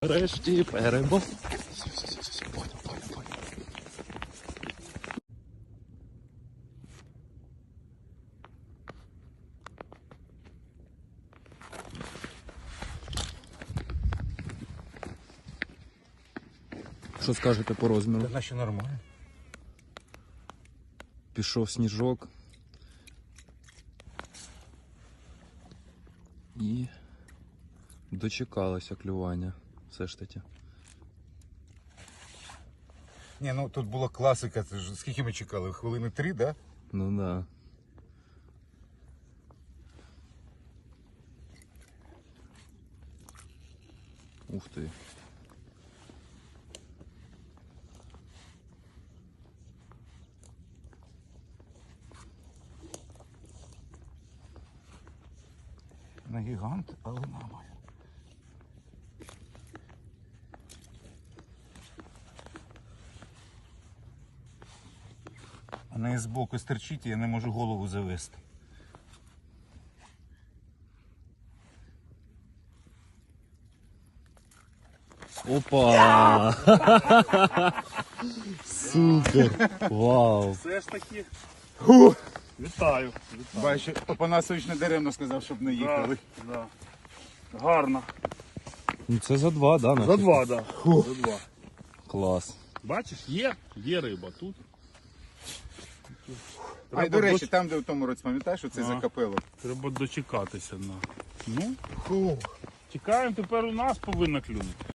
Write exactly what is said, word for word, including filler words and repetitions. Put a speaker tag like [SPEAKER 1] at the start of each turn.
[SPEAKER 1] Решті перебор. Все, все, все, все, понял, понял, понял. Що скажете по розміру?
[SPEAKER 2] Та наче нормально.
[SPEAKER 1] Пішов сніжок. І дочекалося клювання. Все ж таки.
[SPEAKER 2] Ні, ну тут була класика. Це ж скільки ми чекали? Хвилини три, да?
[SPEAKER 1] Ну да. Ух ти.
[SPEAKER 2] На гігант, але нормально. А неї збоку стерчить, і я не можу голову завести.
[SPEAKER 1] Опа! Супер! Вау!
[SPEAKER 3] Все ж таки.
[SPEAKER 2] Фух.
[SPEAKER 3] Вітаю. Вітаю.
[SPEAKER 2] Бачу, Опанасович не даремно сказав, щоб не їхали.
[SPEAKER 3] Да, да. Гарно.
[SPEAKER 1] Ну це за два, да?
[SPEAKER 3] За
[SPEAKER 1] наче?
[SPEAKER 3] два, так. Да. За два.
[SPEAKER 1] Клас.
[SPEAKER 3] Бачиш, є, є риба тут.
[SPEAKER 2] А й до речі, там, де в тому році, пам'ятаєш, що це
[SPEAKER 3] А.
[SPEAKER 2] за капело?
[SPEAKER 3] Треба дочекатися. На. Ну,
[SPEAKER 2] Фух.
[SPEAKER 3] чекаємо, тепер у нас повинна клюнути.